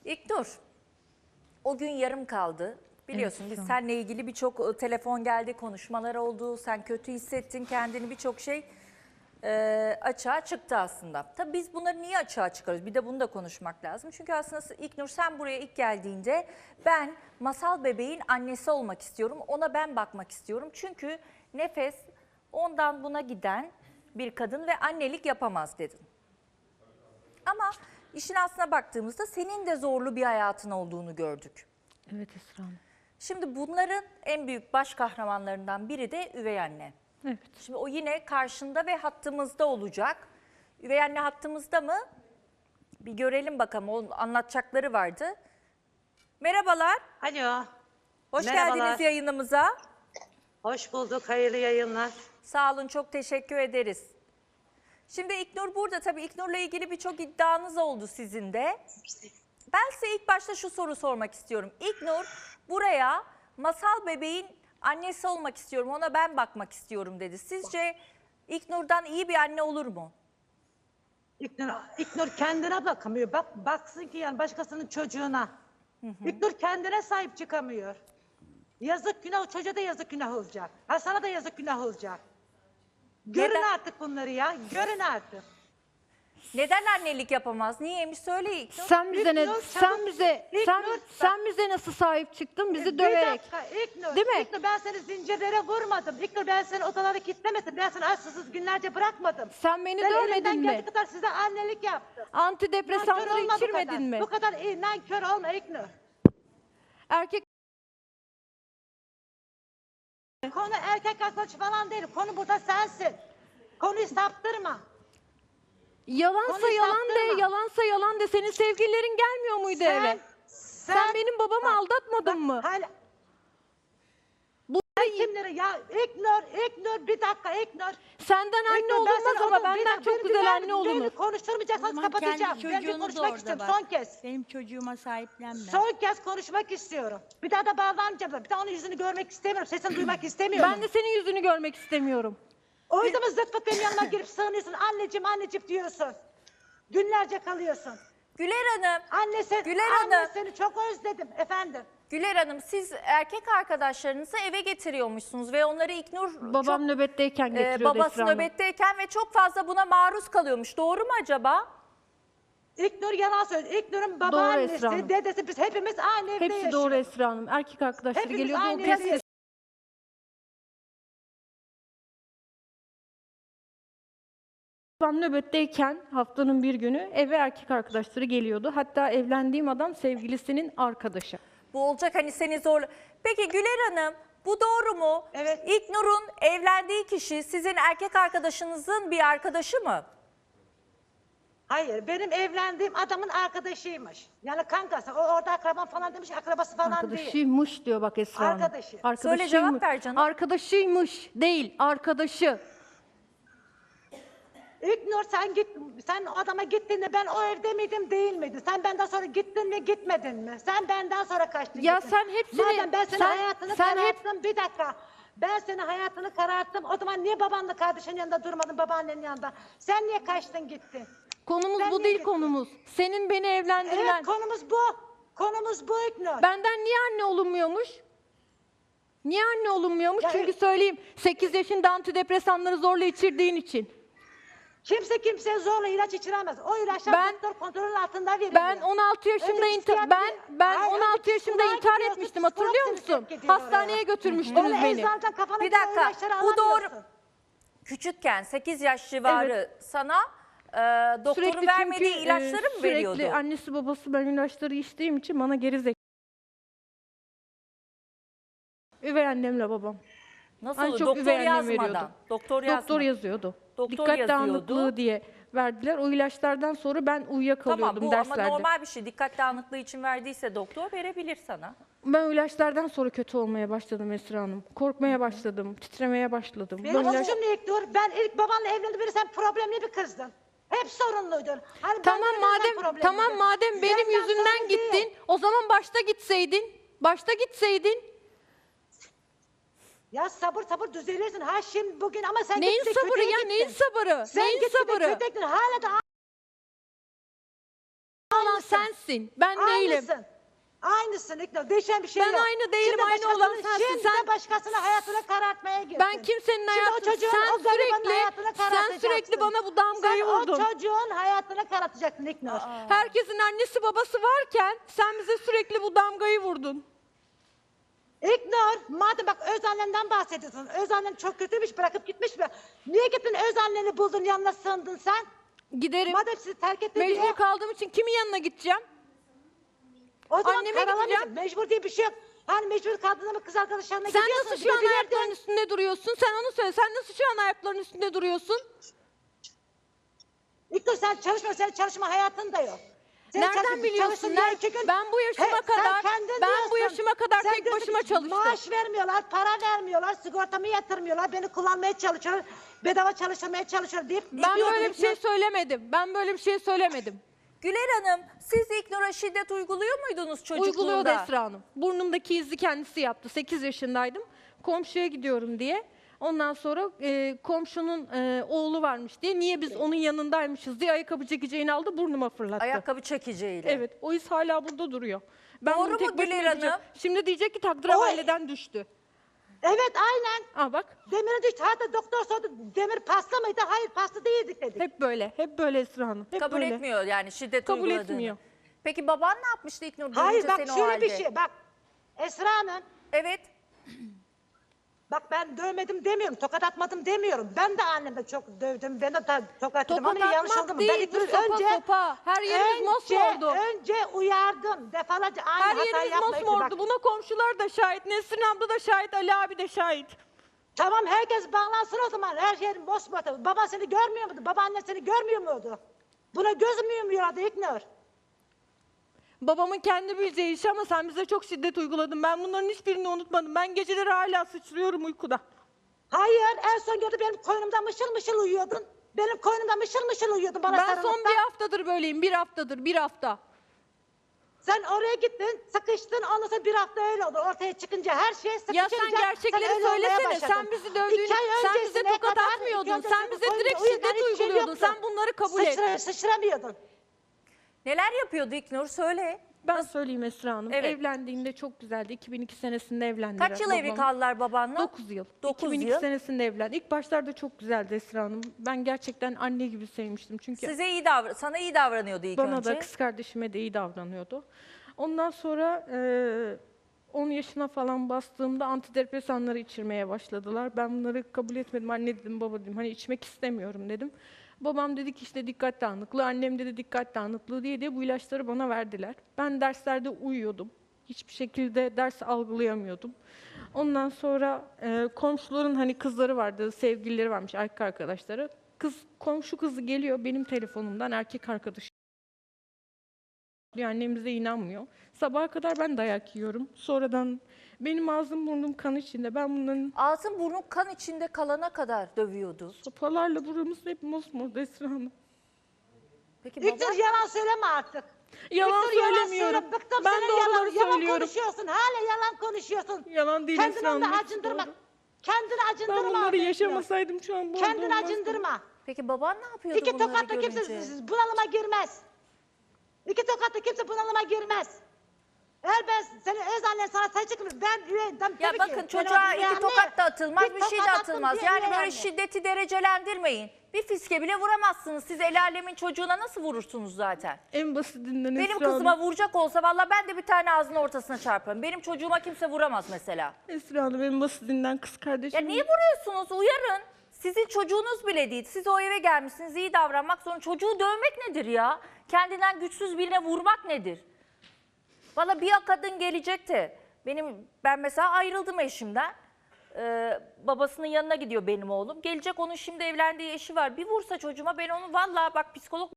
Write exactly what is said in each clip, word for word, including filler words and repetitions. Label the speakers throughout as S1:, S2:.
S1: İlknur, o gün yarım kaldı. Biliyorsun
S2: Evet,
S1: biz seninle ilgili birçok telefon geldi, konuşmalar oldu. Sen kötü hissettin kendini, birçok şey e, açığa çıktı aslında. Tabii biz bunları niye açığa çıkarıyoruz? Bir de bunu da konuşmak lazım. Çünkü aslında İlknur sen buraya ilk geldiğinde ben Masal bebeğin annesi olmak istiyorum. Ona ben bakmak istiyorum. Çünkü Nefes ondan buna giden bir kadın ve annelik yapamaz dedin. Ama işin aslına baktığımızda senin de zorlu bir hayatın olduğunu gördük.
S2: Evet Esra Hanım.
S1: Şimdi bunların en büyük baş kahramanlarından biri de üvey anne.
S2: Evet.
S1: Şimdi o yine karşında ve hattımızda olacak. Üvey anne hattımızda mı? Bir görelim bakalım. Onun anlatacakları vardı. Merhabalar.
S3: Alo.
S1: Hoş
S3: Merhabalar.
S1: geldiniz yayınımıza.
S3: Hoş bulduk. Hayırlı yayınlar.
S1: Sağ olun, çok teşekkür ederiz. Şimdi İlknur burada, tabii İlknur'la ilgili birçok iddianız oldu sizin de. Ben size ilk başta şu soru sormak istiyorum. İlknur buraya Masal bebeğin annesi olmak istiyorum, ona ben bakmak istiyorum dedi. Sizce İlknur'dan iyi bir anne olur mu?
S3: İknur, İknur kendine bakamıyor. Bak baksın ki yani başkasının çocuğuna. Hı hı. İknur kendine sahip çıkamıyor. Yazık günah, o çocuğa da yazık günah olacak. Ha sana da yazık günah olacak. Görün
S1: Neden?
S3: artık bunları ya. Görün artık.
S1: Neden annelik yapamaz? Niyeymiş, söyle İlknur.
S2: Sen bize ne
S3: İlknur,
S2: sen
S3: çabuk-
S2: bize
S3: İlknur,
S2: sen
S3: bak-
S2: sen bize nasıl sahip çıktın? Bizi
S3: Bir
S2: döverek.
S3: dakika İknur.
S2: Değil mi?
S3: İknur ben seni zincirlere vurmadım. İknur ben seni odalara kilitlemedim. Ben seni açsız günlerce bırakmadım.
S2: Sen beni
S3: Ben
S2: dövmedin
S3: elimden
S2: mi?
S3: geldiği kadar size annelik yaptım. Nankör
S2: Antidepresanları
S3: olma bu
S2: içirmedin
S3: kadar.
S2: mi?
S3: Bu kadar iyi nankör olma İknur.
S2: Erkek
S3: Konu erkek arkadaş falan değil. Konu burada sensin. Konuyu saptırma.
S2: yalansa
S3: Konuyu
S2: yalan de,
S3: saptırma.
S2: yalansa yalan de. Senin sevgililerin gelmiyor muydu eve? Sen benim babamı
S3: bak,
S2: aldatmadın mı?
S3: Hala,
S2: Bu
S3: sen kimleri ya? İknur, İknur bir dakika İknur.
S2: senden anne
S3: İknur, ben
S2: olunmaz
S3: sana
S2: ama
S3: oğlum, bir
S2: benden
S3: dakika,
S2: çok
S3: beni
S2: güzel
S3: dinler
S2: anne
S3: misin?
S2: olunur.
S3: Beni konuşturmayacaksanız
S4: Zaman
S3: kapatacağım.
S4: kendi
S3: Ben bir
S4: çocuğunu da
S3: konuşmak
S4: orada
S3: istiyorum
S4: bak.
S3: son kez.
S4: Benim çocuğuma sahiplenme.
S3: Son kez konuşmak istiyorum. Bir daha da bağlanmayacağım. Bir daha onun yüzünü görmek istemiyorum. Sesini duymak istemiyorum.
S2: Ben de senin yüzünü görmek istemiyorum.
S3: O yüzden mi zıt pıt benim yanıma girip sığınıyorsun. Anneciğim anneciğim diyorsun. Günlerce kalıyorsun.
S1: Güler Hanım,
S3: Annesi,
S1: Güler
S3: anne
S1: Hanım.
S3: seni çok özledim efendim.
S1: Güler Hanım siz erkek arkadaşlarınızı eve getiriyormuşsunuz ve onları İlknur
S2: Babam
S1: çok,
S2: nöbetteyken
S1: e,
S2: getiriyordu
S1: babası
S2: Esra Hanım.
S1: nöbetteyken ve çok fazla buna maruz kalıyormuş. Doğru mu acaba?
S3: İlknur yalan söylüyor. İlknur'un
S2: Esra
S3: babaannesi,
S2: Hanım.
S3: dedesi biz hepimiz aynı evde
S2: Hepsi
S3: yaşıyoruz.
S2: doğru Esra Hanım. Erkek arkadaşları
S3: Hepimiz
S2: geliyordu. O
S3: aynı
S2: pes
S3: evde
S2: Babam nöbetteyken haftanın bir günü eve erkek arkadaşları geliyordu. Hatta evlendiğim adam sevgilisinin arkadaşı.
S1: Bu olacak hani seni zor. Peki Güler Hanım bu doğru mu?
S3: Evet.
S1: İlknur'un evlendiği kişi sizin erkek arkadaşınızın bir arkadaşı mı?
S3: Hayır, benim evlendiğim adamın arkadaşıymış. Yani kankası, o orada akraban falan demiş, akrabası falan değil.
S2: Arkadaşıymış diyor bak Esra Hanım.
S3: Arkadaşı.
S1: Söyle, cevap ver canım.
S2: Arkadaşıymış değil, arkadaşı.
S3: İlknur sen git, sen o adama gittiğinde ben o evde miydim değil miydim? Sen benden sonra gittin mi gitmedin mi? Sen benden sonra kaçtın
S2: Ya
S3: gittin.
S2: sen hepsini-
S3: Madem ben senin
S2: sen-
S3: hayatını
S2: sen hep-
S3: kararttım, bir dakika. Ben senin hayatını kararttım, o zaman niye babanla kardeşinin yanında durmadın, babaannenin yanında? Sen niye kaçtın gittin?
S2: Konumuz
S3: Ben
S2: bu
S3: niye
S2: değil
S3: gittim?
S2: konumuz. Senin beni evlendirmen.
S3: Evet, konumuz bu. Konumuz bu İlknur.
S2: Benden niye anne olunmuyormuş? Niye anne olunmuyormuş?
S3: Ya-
S2: Çünkü söyleyeyim sekiz yaşında antidepresanları zorla içirdiğin için.
S3: Kimse kimseye zorla ilaç içiremez. O ilaçlar
S2: Ben-
S3: doktor kontrolünün altında veriliyor.
S2: Ben on altı yaşında
S3: Önce
S2: inti-
S3: psikiyatri-
S2: ben ben
S3: Hayır,
S2: on
S3: önce
S2: altı yaşında
S3: psikoloğa
S2: intihar
S3: gidiyorsun,
S2: etmiştim
S3: psikolog
S2: hatırlıyor
S3: seni
S2: musun?
S3: sevk ediyor
S2: Hastaneye
S3: oraya.
S2: götürmüştünüz
S3: Onu
S2: beni.
S3: eczacıdan kafana
S1: Bir
S3: göre o
S1: dakika,
S3: ilaçları
S1: bu doğru.
S3: alamıyorsun.
S1: Küçükken sekiz yaş civarı sana e, doktorun vermediği
S2: çünkü,
S1: ilaçları
S2: e,
S1: mı
S2: sürekli
S1: veriyordu?
S2: annesi babası ben ilaçları içtiğim için bana gerizek. Üvey annemle babam.
S1: Nasıl?
S2: Hani çok
S1: Doktor
S2: üvey annem
S1: yazmadan.
S2: veriyordu.
S1: Doktor
S2: Doktor
S1: yazmadan.
S2: yazıyordu.
S1: Doktor
S2: Dikkat
S1: yazıyordu.
S2: dağınıklığı diye verdiler. O ilaçlardan sonra ben uyuyakalıyordum
S1: Tamam bu
S2: derslerde.
S1: ama normal bir şey. Dikkat dağınıklığı için verdiyse doktor verebilir sana.
S2: Ben o ilaçlardan sonra kötü olmaya başladım Esra Hanım. Korkmaya başladım, titremeye başladım.
S3: Benim
S2: Ben ilaç-
S3: suçum ne İlknur? Ben ilk babanla evlendim beri sen problemli bir kızdın. Hep sorunluydun. Hani ben
S2: Tamam
S3: böyle sen
S2: madem
S3: problemliydin.
S2: tamam madem benim
S3: Senden
S2: yüzümden
S3: sorun
S2: gittin,
S3: değil.
S2: o zaman başta gitseydin. Başta gitseydin.
S3: Ya sabır sabır düzelirsin. Ha şimdi bugün ama sen
S2: Neyin
S3: gittin,
S2: sabırı
S3: kötüye
S2: ya?
S3: gittin.
S2: Neyin sabırı?
S3: Sen
S2: Neyin
S3: gittin de
S2: sabırı?
S3: kötüye gittin. Hala da
S2: olan
S3: Aynısın.
S2: sensin. Ben değilim.
S3: Aynısın. Aynısın İknur. Değişen bir şey
S2: Ben
S3: yok.
S2: aynı değilim,
S3: Şimdi
S2: aynı olan
S3: başkasının-
S2: sensin.
S3: Şimdi
S2: Sen-
S3: de başkasının hayatını karartmaya girdin.
S2: Ben kimsenin
S3: Şimdi o
S2: hayatını,
S3: çocuğun,
S2: sen
S3: o garibanın
S2: sürekli,
S3: hayatını
S2: sen
S3: karartacaksın.
S2: sürekli bana bu damgayı
S3: Sen
S2: vurdun.
S3: o çocuğun hayatını karartacaksın İknur.
S2: Herkesin annesi babası varken sen bize sürekli bu damgayı vurdun.
S3: İknur, madem bak öz annenden bahsediyorsun. Öz annen çok kötüymüş, bırakıp gitmiş mi? Niye gittin öz anneni buldun, yanına sığındın sen?
S2: Giderim.
S3: Madem sizi terk etti
S2: Mecbur
S3: diye.
S2: kaldığım için kimin yanına gideceğim?
S3: O zaman
S2: anneme
S3: karalamayacak.
S2: gideceğim.
S3: Mecbur diye bir şey yok. Hani mecbur kaldığında mı kız arkadaşlarına
S2: Sen
S3: gidiyorsun?
S2: nasıl şu an
S3: gidebilirdin.
S2: ayaklarının üstünde duruyorsun? Sen onu söyle. Sen nasıl şu an ayaklarının üstünde duruyorsun?
S3: İknur sen çalışma, senin çalışma hayatın da yok. Senin
S2: Nereden
S3: çalışma-
S2: biliyorsun?
S3: çalıştığın
S2: Ner-
S3: yer iki gün-
S2: Ben bu yaşıma
S3: He, sen
S2: kadar-
S3: kendin
S2: ben bu
S3: diyorsun.
S2: yaşıma kadar
S3: Sen
S2: tek
S3: diyorsun
S2: başıma
S3: ki,
S2: çalıştım.
S3: Maaş vermiyorlar, para vermiyorlar, sigortamı yatırmıyorlar, beni kullanmaya çalışıyorlar, bedava çalıştırmaya çalışıyor deyip
S2: Ben
S3: gidiyordun
S2: böyle bir
S3: İknur.
S2: şey söylemedim. Ben böyle bir şey söylemedim.
S1: Güler Hanım, siz İknur'a şiddet uyguluyor muydunuz çocukluğunda?
S2: Uyguluyordu Esra Hanım. Burnumdaki izi kendisi yaptı. sekiz yaşındaydım. Komşuya gidiyorum diye. Ondan sonra e, komşunun e, oğlu varmış diye. Niye biz onun yanındaymışız diye ayakkabı çekeceğini aldı, burnuma fırlattı.
S1: Ayakkabı çekiciyle.
S2: Evet, o iz hala burada duruyor. Ben
S1: Doğru
S2: bunu tek
S1: mu
S2: başıma
S1: Güler
S2: yapacağım.
S1: Hanım?
S2: Şimdi diyecek ki takdir
S3: O-
S2: aileden düştü.
S3: Evet aynen.
S2: Aa bak,
S3: Demirin düştü. Hatta doktor sordu, demir pasta mıydı? Hayır pasta değildik dedik.
S2: hep böyle, hep böyle Esra Hanım. Hep
S1: Kabul
S2: böyle.
S1: etmiyor yani şiddet
S2: Kabul
S1: uyguladığını.
S2: etmiyor.
S1: Peki baban ne yapmıştı İknur
S3: Hayır
S1: görünce
S3: bak
S1: seni o
S3: şöyle
S1: halde?
S3: bir şey bak. Esra Hanım.
S1: Evet.
S3: Bak ben dövmedim demiyorum, tokat atmadım demiyorum. Ben de annemde çok dövdüm, ben de ta- tokat atdım
S2: Tokat
S3: ama yanlış oldu
S2: atmak
S3: mu?
S2: değil,
S3: Ben
S2: bu
S3: ilk
S2: sopa
S3: önce,
S2: sopa. Her yerimiz
S3: önce,
S2: mosmordu.
S3: önce uyardım. Defalarca aynı
S2: Her
S3: hata
S2: yerimiz
S3: yapmayın.
S2: mosmordu. Buna komşular da şahit, Nesrin abla da şahit, Ali abi de şahit.
S3: Tamam herkes bağlansın o zaman. Her yer mosmor. Baban seni görmüyor muydu? Babaannen seni görmüyor muydu? Buna göz mü yumuyordu İknur?
S2: Babamın kendi bileceği iş ama sen bize çok şiddet uyguladın. Ben bunların hiçbirini unutmadım. Ben geceleri hala sıçrıyorum uykuda.
S3: Hayır en son gördü benim koynumda mışıl mışıl uyuyordun. Benim koynumda mışıl mışıl uyuyordun bana
S2: Ben
S3: sarılıp
S2: son
S3: da.
S2: bir haftadır böyleyim. Bir haftadır, bir hafta.
S3: Sen oraya gittin, sıkıştın, ondan sonra bir hafta öyle oldu. Ortaya çıkınca her şey sıkışınca...
S2: Ya sen gerçekleri
S3: öyle olmaya
S2: söylesene.
S3: başladın.
S2: Sen bizi dövdüğün,
S3: İki ay
S2: sen bize
S3: öncesine
S2: tokat
S3: kadar,
S2: atmıyordun.
S3: iki
S2: Sen
S3: önce
S2: bize
S3: koynumda
S2: direkt
S3: uyuyan
S2: şiddet
S3: hiçbir şey
S2: uyguluyordun.
S3: yoktu.
S2: Sen bunları kabul et.
S3: Sıçra, sıçramıyordun.
S1: Neler yapıyordu İknur söyle.
S2: Ben söyleyeyim Esra Hanım.
S1: Evet.
S2: Evlendiğinde çok güzeldi. iki bin iki senesinde evlendi.
S1: Kaç yıl evli kaldılar babanla?
S2: dokuz yıl.
S1: Dokuz
S2: iki bin iki
S1: yıl.
S2: senesinde evlendi. İlk başlarda çok güzeldi Esra Hanım. Ben gerçekten anne gibi sevmiştim. Çünkü
S1: Size iyi davran, sana iyi davranıyordu ilk
S2: bana
S1: önce.
S2: da kız kardeşime de iyi davranıyordu. Ondan sonra e, on yaşına falan bastığımda antidepresanları içirmeye başladılar. Ben bunları kabul etmedim. Anne dedim, baba dedim. Hani içmek istemiyorum dedim. Babam dedi ki işte dikkat dağınıklığı, annem dedi dikkat dağınıklığı diye diye bu ilaçları bana verdiler. Ben derslerde uyuyordum. Hiçbir şekilde ders algılayamıyordum. Ondan sonra e, komşuların hani kızları vardı, sevgilileri varmış, erkek arkadaşları. Kız, komşu kızı geliyor benim telefonumdan erkek arkadaşı. Annemiz de inanmıyor. Sabaha kadar ben dayak yiyorum. Sonradan benim ağzım burnum kan içinde. Ben bunların
S1: Ağzın burnun kan içinde kalana kadar dövüyordu.
S2: sopalarla buramız hep mosmor Esra Hanım.
S1: Peki baba?
S3: İknur yalan söyleme artık.
S2: Yalan
S3: İknur, yalan
S2: söylemiyorum.
S3: söyle. Bıktım
S2: Ben
S3: senin
S2: doğruları
S3: yalan, yalan
S2: söylüyorum.
S3: konuşuyorsun. Hala yalan konuşuyorsun.
S2: Yalan değil
S3: Kendini
S2: Esra Hanım.
S3: onda
S2: hepsi
S3: acındırma.
S2: doğru.
S3: Kendini acındırma.
S2: Ben bunları
S3: orada İknur.
S2: yaşamasaydım şu an bu halde
S3: Kendini
S2: olmazdım.
S3: acındırma.
S1: Peki baban ne yapıyordu
S3: İki
S1: bunları
S3: tokatla
S1: görünce?
S3: kimse bunalıma girmez. İki tokatla kimse bunalıma girmez. Eğer ben senin öz annen sana say çıkmış, ben üye, ben
S1: Ya
S3: tabii
S1: bakın
S3: ki,
S1: çocuğa
S3: ben üye
S1: iki
S3: anne,
S1: tokat da atılmaz, bir, şey de
S3: tokat attım
S1: atılmaz.
S3: diye
S1: Yani
S3: üye
S1: böyle
S3: anne.
S1: şiddeti derecelendirmeyin. Bir fiske bile vuramazsınız. Siz el alemin çocuğuna nasıl vurursunuz zaten?
S2: En basitinden
S1: Benim
S2: Esra
S1: kızıma
S2: Hanım.
S1: vuracak olsa vallahi ben de bir tane ağzının ortasına çarparım. Benim çocuğuma kimse vuramaz mesela.
S2: Esra Hanım en basitinden kız
S1: Ya
S2: kardeşim.
S1: niye vuruyorsunuz? Uyarın. Sizin çocuğunuz bile değil. Siz o eve gelmişsiniz, iyi davranmak zorunda. Çocuğu dövmek nedir ya? Kendinden güçsüz birine vurmak nedir? Valla bir kadın gelecekti. Benim ben mesela ayrıldım eşimden. Ee, babasının yanına gidiyor benim oğlum. Gelecek, onun şimdi evlendiği eşi var. Bir vursa çocuğuma ben onu vallahi bak psikolog.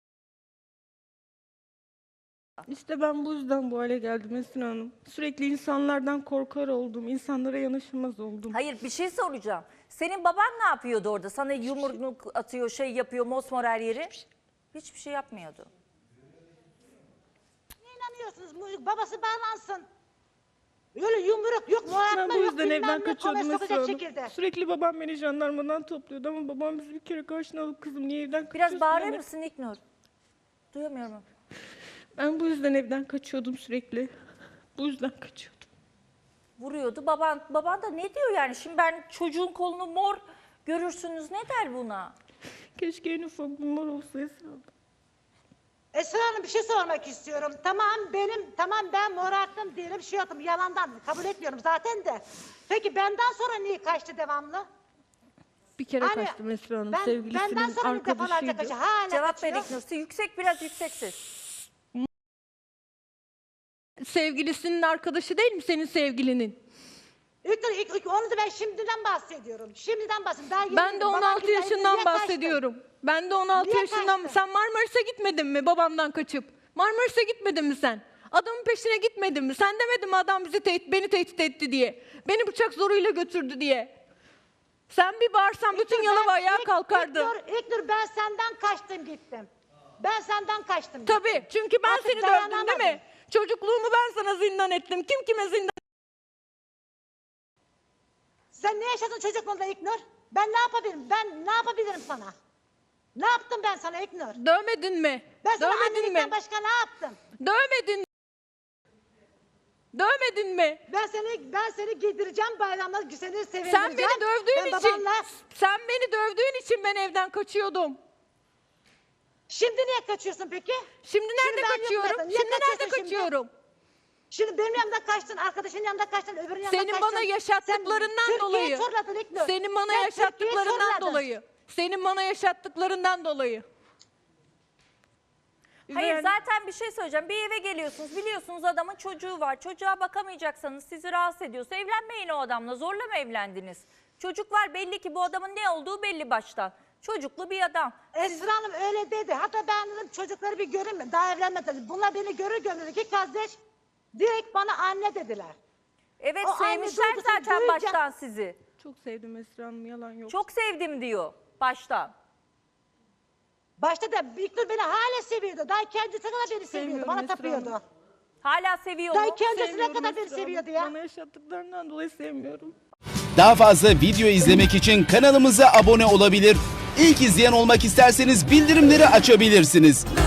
S2: İşte ben bu yüzden bu hale geldim Esra Hanım. Sürekli insanlardan korkar oldum. İnsanlara yanaşamaz oldum.
S1: Hayır bir şey soracağım. Senin baban ne yapıyordu orada? Sana yumruk atıyor, şey yapıyor, mosmor her yeri. Hiçbir şey yapmıyordu.
S3: Niye inanıyorsunuz? Bu- Babası bağlansın. Öyle yumruk yok,
S2: Ben
S3: muayatma
S2: bu
S3: yok,
S2: yüzden
S3: bilmem
S2: evden
S3: ne,
S2: kaçıyordum
S3: kolay
S2: Esra
S3: sokacak
S2: Hanım.
S3: şekilde.
S2: Sürekli babam beni jandarmadan topluyordu ama babam bizi bir kere karşına alıp kızım niye evden kaçıyorsun
S1: Biraz bağırır
S2: demedi.
S1: mısın İknur? Duyamıyorum.
S2: Ben bu yüzden evden kaçıyordum sürekli. Bu yüzden kaçıyordum.
S1: Vuruyordu. Baban, baban da ne diyor yani? Şimdi ben çocuğun kolunu mor görürsünüz, ne der buna?
S2: Keşke en ufak bir mor olsa Esra abla.
S3: Esra Hanım bir şey sormak istiyorum. Tamam benim, tamam ben morarttım diyelim, şey yaptım, yalandan kabul etmiyorum zaten de. Peki benden sonra niye kaçtı devamlı?
S2: Bir kere
S3: Hani
S2: kaçtım Esra Hanım.
S3: ben,
S2: Sevgilisinin
S3: benden sonra bir defalarca
S2: arkadaşıydı.
S3: kaçtı. Hala
S1: Cevap
S3: kaçıyor.
S1: ver İknur. Yüksek, biraz yüksek ses.
S2: Sevgilisinin arkadaşı değil mi senin sevgilinin?
S3: İlk, ilk, ilk, onu da ben şimdiden bahsediyorum. Şimdiden bahsediyorum. Daha yeni-
S2: Ben de on
S3: babam
S2: altı
S3: gitti,
S2: yaşından
S3: niye kaçtın?
S2: bahsediyorum. Ben de on altı
S3: Niye
S2: yaşından.
S3: kaçtın?
S2: Sen Marmaris'e gitmedin mi babamdan kaçıp? Marmaris'e gitmedin mi sen? Adamın peşine gitmedin mi? Sen demedin mi adam bizi tehdit, beni tehdit etti diye? Beni bıçak zoruyla götürdü diye. Sen bir bağırsan bütün
S3: İlknur,
S2: Yalova
S3: ben-
S2: ayağa
S3: İlk-
S2: kalkardı.
S3: İlknur, İlknur ben senden kaçtım gittim. Ben senden kaçtım
S2: Tabii,
S3: gittim.
S2: çünkü ben
S3: Artık
S2: seni dövdüm değil
S3: dayanamadım.
S2: mi? Çocukluğumu ben sana zindan ettim. Kim kime zindan?
S3: Sen ne yaşadın çocukluğunda İlknur? Ben ne yapabilirim? Ben ne yapabilirim sana? Ne yaptım ben sana İlknur?
S2: Dövmedin mi?
S3: Ben sana
S2: Dövmedin
S3: annelikten
S2: mi?
S3: başka ne yaptım?
S2: Dövmedin. Dövmedin mi?
S3: Ben seni ben seni giydireceğim bayramda, seni sevindireceğim.
S2: Sen beni dövdüğün
S3: Ben
S2: için,
S3: babanla-
S2: sen beni dövdüğün için ben evden kaçıyordum.
S3: Şimdi niye kaçıyorsun peki?
S2: Şimdi nerede
S3: ben yokum
S2: kaçıyorum?
S3: zaten. Niye
S2: Şimdi nerede
S3: kaçıyorsun şimdi?
S2: kaçıyorum?
S3: Şimdi benim yanımda kaçtın, arkadaşın yanında kaçtın, öbürünün yanında
S2: Senin
S3: kaçtın.
S2: bana yaşattıklarından
S3: Sen
S2: dolayı.
S3: Türkiye'yi turladın İlknur.
S2: Senin bana
S3: Sen
S2: yaşattıklarından
S3: Türkiye'yi turladın.
S2: dolayı. Senin bana yaşattıklarından dolayı.
S1: Hayır,
S2: Yani-
S1: zaten bir şey söyleyeceğim. Bir eve geliyorsunuz, biliyorsunuz adamın çocuğu var. Çocuğa bakamayacaksanız, sizi rahatsız ediyorsa evlenmeyin o adamla. Zorla mı evlendiniz? Çocuk var, belli ki bu adamın ne olduğu belli baştan. Çocuklu bir adam.
S3: Esra Hanım öyle dedi. Hatta ben dedim çocukları bir görün mü? Daha evlenmediler. Bunlar beni görür görür iki kardeş direkt bana anne dediler.
S1: Evet,
S3: O anne
S1: sevmişler
S3: duygusunu
S1: zaten
S3: duyunca-
S1: baştan sizi.
S2: Çok sevdim Esra Hanım, yalan yok.
S1: Çok sevdim diyor baştan.
S3: Başta da İlknur beni hala seviyordu. Daha kendisi kadar beni seviyordu.
S2: Sevmiyorum
S3: Bana
S2: Esra
S3: tapıyordu.
S2: Hanım.
S1: Hala seviyor
S3: Daha
S1: mu?
S3: kendisine
S2: Sevmiyorum
S3: kadar beni
S2: Esra Hanım.
S3: seviyordu ya.
S2: Bana yaşattıklarından dolayı sevmiyorum.
S4: Daha fazla video izlemek için kanalımıza abone olabilir. İlk izleyen olmak isterseniz bildirimleri açabilirsiniz.